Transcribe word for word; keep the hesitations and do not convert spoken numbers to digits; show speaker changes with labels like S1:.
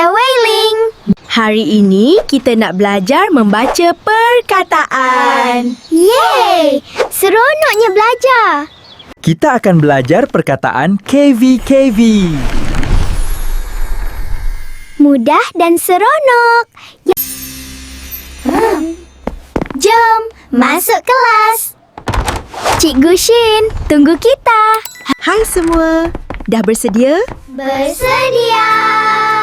S1: Saya Wei Ling.
S2: Hari ini kita nak belajar membaca perkataan.
S1: Yeay! Seronoknya belajar.
S3: Kita akan belajar perkataan K V K V.
S1: Mudah dan seronok. Hmm. Jom masuk kelas. Cikgu Shin, tunggu kita.
S2: Hai semua, dah bersedia?
S1: Bersedia.